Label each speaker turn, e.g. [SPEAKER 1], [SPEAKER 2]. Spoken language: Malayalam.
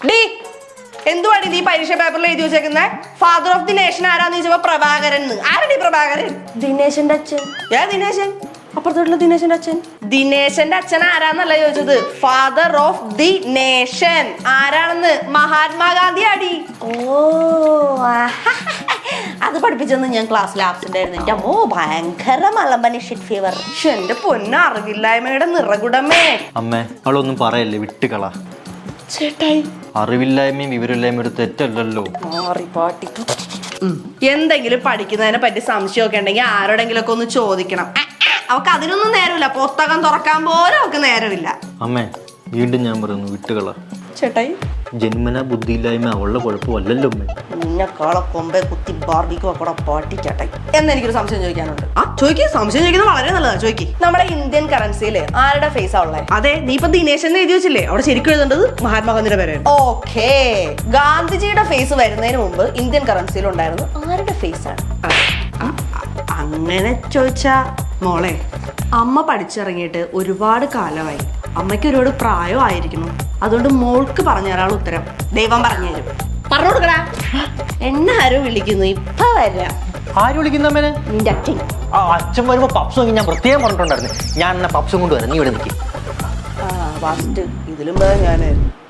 [SPEAKER 1] ഡി എന്തുവാടി നീ പരീക്ഷ പേപ്പറിൽ എഴുതി വെച്ചേക്കുന്നേ? ഫാദർ ഓഫ് ദി നേഷൻ ആരാന്ന് ചോദിച്ചപ്പോ പ്രഭാകരൻ. ആരടി പ്രഭാകരൻ?
[SPEAKER 2] ദിനേശന്റെ അച്ഛൻ.
[SPEAKER 1] ദിനേശൻ?
[SPEAKER 2] അപ്പുറത്തോട്ടുള്ള ദിനേശന്റെ അച്ഛൻ.
[SPEAKER 1] ദിനേശന്റെ അച്ഛൻ ആരാന്നല്ല ചോദിച്ചത്, ഫാദർ ഓഫ് ദി നേഷൻ ആരാണെന്ന്. മഹാത്മാഗാന്ധി അടി.
[SPEAKER 2] ഓ അത് പഠിപ്പിച്ചെന്ന് ഞാൻ ക്ലാസ്സിൽ ആബ്സെന്റ് ആയിരുന്നു. എന്റെ അമ്മോ ഭയങ്കര മലമ്പനി ഷിറ്റ് ഫീവർ.
[SPEAKER 1] എന്റെ പൊന്ന അറിവില്ലായ്മയുടെ നിറകുടമേ.
[SPEAKER 3] അമ്മേ അവളൊന്നും പറയല്ലേ, വിട്ടുകള.
[SPEAKER 1] ചേട്ടായി
[SPEAKER 3] അറിവില്ലായ്മയും വിവരമില്ലായ്മയും ഒരു തെറ്റല്ലല്ലോ.
[SPEAKER 1] എന്തെങ്കിലും പഠിക്കുന്നതിനെ പറ്റി സംശയമൊക്കെ ഉണ്ടെങ്കിൽ ആരോടെങ്കിലും ഒക്കെ ഒന്ന് ചോദിക്കണം. അവക്ക് അതിനൊന്നും നേരമില്ല, പുസ്തകം തുറക്കാൻ പോലും അവക്ക് നേരമില്ല.
[SPEAKER 3] അമ്മേ വീണ്ടും ഞാൻ പറയുന്നു, വിട്ടുകള.
[SPEAKER 1] ചേട്ടായി
[SPEAKER 3] ജന്മന ബുദ്ധിയില്ലായ്മ അവളുടെ കുഴപ്പമല്ലല്ലോ അമ്മേ.
[SPEAKER 2] നിന്നെക്കാളെ കൊമ്പെ കുത്തി ബാർബിക്കോ കൂടെ പാട്ടി ചേട്ടായി.
[SPEAKER 1] എന്നെനിക്കൊരു സംശയം ചോദിക്കാനുണ്ട്. ചോദിക്കേ, സംശയം ചോദിക്കുന്നത് വളരെ നല്ലതാ, ചോദിക്കേ. നമ്മുടെ ഇന്ത്യൻ കറൻസിയില് ആരുടെ ഫേസ് ആ ഉള്ളത്? അതെ, നീ ഇപ്പൊ ദിനേശ് എന്ന് എഴുതി വെച്ചില്ലേ, അവിടെ ശരിക്കും എഴുതേണ്ടത് മഹാത്മാഗാന്ധിയുടെ പേരാണ്.
[SPEAKER 2] ഓക്കേ, ഗാന്ധിജിയുടെ ഫേസ് വരുന്നതിന് മുമ്പ് ഇന്ത്യൻ കറൻസിയിൽ ഉണ്ടായിരുന്നു ആരുടെ ഫേസ് ആണ്?
[SPEAKER 1] അങ്ങനെ ചോദിച്ചാ മോളെ, അമ്മ പഠിച്ചിറങ്ങിയിട്ട് ഒരുപാട് കാലമായി, അമ്മയ്ക്ക് ഒരുപാട് പ്രായമായിരിക്കുന്നു. അതുകൊണ്ട് മോൾക്ക് പറഞ്ഞുതരാൾ ഉത്തരം ദൈവം പറഞ്ഞു തരും. പറഞ്ഞു കൊടുക്കടാ.
[SPEAKER 2] എന്നെ ആരും വിളിക്കുന്നു, ഇപ്പൊ വരാം.
[SPEAKER 3] ആര് വിളിക്കുന്ന അമ്മേനെ?
[SPEAKER 2] നിന്റെ അച്ഛൻ.
[SPEAKER 3] അച്ഛൻ വരുമ്പോ പപ്സ് വാങ്ങി ഞാൻ പ്രത്യേകം പറഞ്ഞിട്ടുണ്ടായിരുന്നു. ഞാൻ എന്നാ പപ്സും കൊണ്ടുവരാം, നീ ഇവിടെ നിൽക്കും.
[SPEAKER 1] ഫസ്റ്റ് ഇതിലും ഞാനായിരുന്നു.